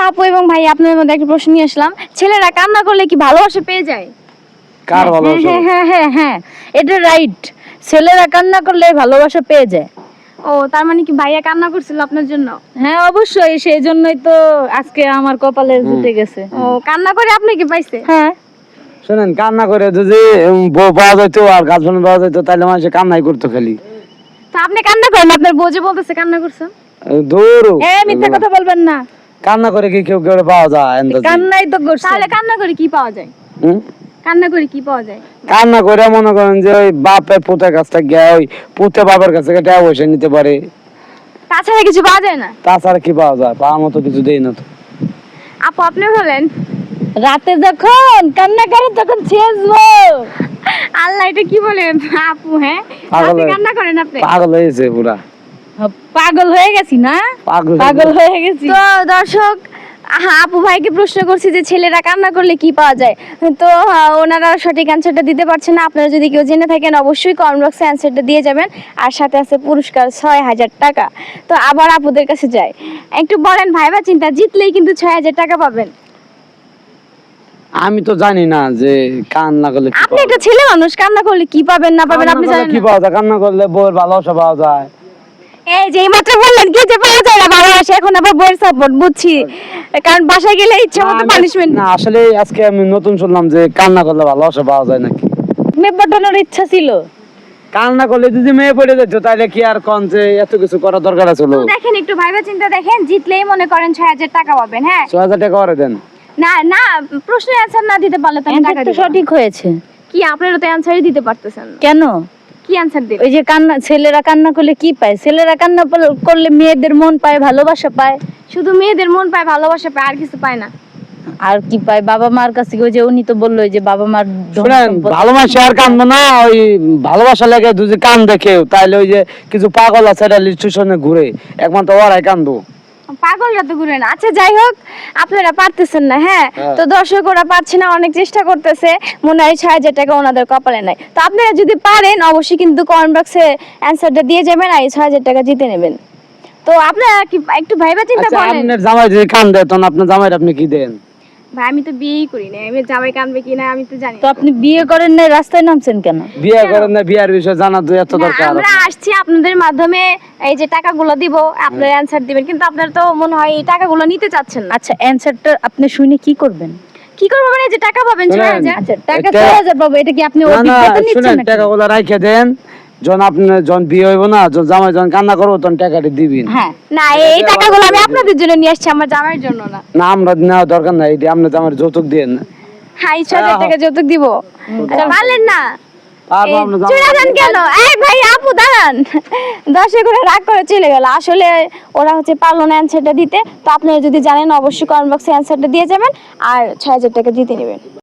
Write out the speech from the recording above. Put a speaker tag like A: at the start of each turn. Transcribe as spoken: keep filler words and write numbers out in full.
A: আপু এবং ভাই আপনাদের মধ্যে একটা প্রশ্ন নিয়ে আসলাম, ছেলেরা কান্না করলে কি ভালোবাসা পেয়ে যায়?
B: কার ভালোবাসা?
C: হ্যাঁ হ্যাঁ হ্যাঁ হ্যাঁ এটা রাইট, ছেলেরা কান্না করলে ভালোবাসা পেয়ে যায়।
A: ও তার মানে কি ভাইয়া কান্না করছিল আপনার জন্য?
C: হ্যাঁ অবশ্যই, সেই জন্যই তো আজকে আমার কপালে জুটে গেছে।
A: ও কান্না করে আপনি কি পাইছে?
C: হ্যাঁ
B: শুনেন, কান্না করে যদি উম, বউ পাওয়া যাইতো আর গার্লফ্রেন্ড পাওয়া যাইতো তাহলে মানুষ কান্নাই করতো খালি।
A: তো আপনি কান্না করেন, আপনার বউ যে বলতেছে কান্না করছেন।
B: দূর
C: এ মিথ্যা কথা বলবেন না,
B: কান্না করে কি কেউ কেউ পাওয়া যায়? আন্দাজে।
C: কান্নাই তো করছে।
A: তাহলে কান্না করে কি পাওয়া যায়?
B: হুম?
A: কান্না করে কি পাওয়া যায়?
B: কান্না করে মনে করেন যে ওই বাপের পুতের কাছ থেকে গিয়ে ওই পুতে বাবার কাছ থেকে টাকা পয়সা নিতে পারে,
A: তাছাড়া কিছু পাওয়া যায় না?
B: তাছাড়া কি পাওয়া যায়? পাওয়ার মতো কিছু দেই না তো।
A: আপু আপনি বলেন।
C: রাতে যখন কান্না করে তখন ছেঁচবো।
A: আল্লাহ, এটা কি বলেন আপু? হ্যাঁ
B: পাগল
A: আপনি
B: হয়ে-
A: কান্না করেন আপনি?
B: পাগল হয়েছে পুরা,
C: পাগল হয়ে গেছি না,
B: পাগল হয়ে
C: পাগল হয়ে গেছি।
A: তো দর্শক, আহা, আপু ভাইকে প্রশ্ন করছি যে ছেলেরা কান্না করলে কি পাওয়া যায়, তো আহ, ওনারা সঠিক অ্যান্সারটা দিতে পারছেন না। আপনারা যদি কেউ জেনে থাকেন অবশ্যই কমেন্ট বক্সে অ্যান্সারটা দিয়ে যাবেন, আর সাথে আছে পুরস্কার ছয় হাজার টাকা। তো আবার আপুদের কাছে যাই, একটু বলেন ভাইবা চিন্তা, জিতলেই কিন্তু ছয় হাজার টাকা পাবেন।
B: আমি তো জানি না যে কান্না করলে কি
A: আপনি
B: পাওয়া
A: একটা ছেলে মানুষ, কান্না করলে কি পাবেন না
B: যায়।
A: পাবেন আপনি
B: কান্না করলে
A: জানেন
B: কি
A: না?
B: পাওয়া যায়? কান্না করলে বউয়ের ভালোবাসা পাওয়া যায়।
A: এই যে এইমাত্র বললেন কি যে পাওয়া যায় না ভালোবাসা, এখন আবার বইয়ের সাপোর্ট, বুঝছি, কারণ বাসায় গেলে ইচ্ছা
B: না,
A: মতো
B: আমি-
A: পানিশমেন্ট।
B: না আসলে আজকে আমি নতুন শুনলাম যে কান্না করলে ভালোবাসা পাওয়া যায় নাকি।
C: মেয়ে পটানোর ইচ্ছা ছিল।
B: কান্না করলে যদি মেয়ে পড়ে যেত তাহলে কি আর কোন যে এত কিছু করার দরকার আছে?
A: তো দেখেন, একটু ভাইবা চিন্তা দেখেন, জিতলেই মনে করেন ছয় হাজার টাকা পাবেন। হ্যাঁ
B: ছয় হাজার টাকা করে দেন।
A: না না, প্রশ্নের অ্যান্সার না দিতে পারলে তো আমি টাকা
C: অ্যান্সার তো
A: দিব না।
C: সঠিক হয়েছে।
A: কি আপনারা তো অ্যান্সারই দিতে পারতেছেন না,
C: কেন?
A: কি অ্যান্সার দিবেন?
C: ওই যে কান্না, ছেলেরা কান্না করলে কি পায়? ছেলেরা কান্না পল- করলে মেয়েদের মন পায়, ভালোবাসা পায়।
A: শুধু মেয়েদের মন পায়, ভালোবাসা পায়, আর কিছু পায় না।
C: আর কি পায়? বাবা মার কাছে, ওই যে উনি তো বললো যে বাবা মার ধন
B: শুনেন,
C: সম্পদ-
B: ভালোবাসা আর কান্দবো না, ওই ভালোবাসা লেগে যদি কান দেখে তাহলে ওই যে কিছু পাগল আছে রেল স্টেশনে ঘুরে, একমাত্র ওরাই কান্দবো।
A: পাগলরা তো ঘুরে না। আচ্ছা যাই হোক, আপনারা পারতেছেন না। হ্যাঁ
B: হ্যাঁ।
A: তো দর্শক ওরা পারছে না, অনেক চেষ্টা করতেছে, মনে হয় ছয় হাজার টাকা ওনাদের কপালে নাই। তো আপনারা যদি পারেন অবশ্যই কিন্তু কমেন্ট বক্সে অ্যান্সারটা দিয়ে যাবেন, আর এই ছয় হাজার টাকা জিতে নেবেন। তো আপনারা কি একটু ভাইবা চিন্তা
B: আচ্ছা,
A: করেন।
B: আপনার জামাই যদি কান দেয় তখন আপনার জামাইয়ের আপনি কি দেন?
A: ভাই আমি তো বিয়েই করি না, আমি জামাই কানবে কিনা আমি তো জানি
C: তো
A: না।
C: আপনি বিয়ে করেন না, রাস্তায় নামছেন কেন?
B: বিয়ে করেন না, বিয়ার বিষয়ে জানা তো এত
A: না,
B: দরকার।
A: আমরা আসছি আপনাদের মাধ্যমে, এই যে টাকাগুলো দিব, আপনারা অ্যানসার দিবেন, কিন্তু আপনারা তো মনে হয় এই টাকাগুলো নিতে চাচ্ছেন না।
C: আচ্ছা অ্যানসারটা আপনি শুনে কি করবেন?
A: কি করবো মানে, যে টাকা পাবেন ছয়
B: শুনেন,
A: হাজার?
C: আচ্ছা টাকা
B: এটা-
C: ছয় হাজার পাবো, এটা কি আপনি
B: না না,
C: অভিজ্ঞতা নিচ্ছেন
B: শুনেন,
C: নাকি?
B: টাকাগুলো রাইখে দেন, যখন আপনি যখন বিয়ে হইব না, যখন জামাই যখন কান্না করবো তখন টাকাটি দিবেন।
C: হ্যাঁ
A: না, এই টাকাগুলো আমি আপনাদের জন্য নিয়ে আসছি, আমার জামাইয়ের জন্য না।
B: না, আমরা নেওয়া দরকার নাই, এটি আপনার জামাইয়ের যৌতুক দিয়ে না।
A: হ্যাঁ, এই ছয় হাজার টাকা যৌতুক দিব। আচ্ছা, পারলেন না?
B: আর
A: এই
B: আপনার
A: চলে
B: জামাই
A: যান কেন? এই ভাই আপু দাঁড়ান, দশে করে রাগ করে চলে গেল। আসলে ওরা হচ্ছে পারলো না অ্যান্সারটা দিতে। তো আপনারা যদি জানেন অবশ্যই কমেন্ট বক্সে অ্যান্সারটা দিয়ে যাবেন, আর ছয় হাজার টাকা জিতে নেবেন।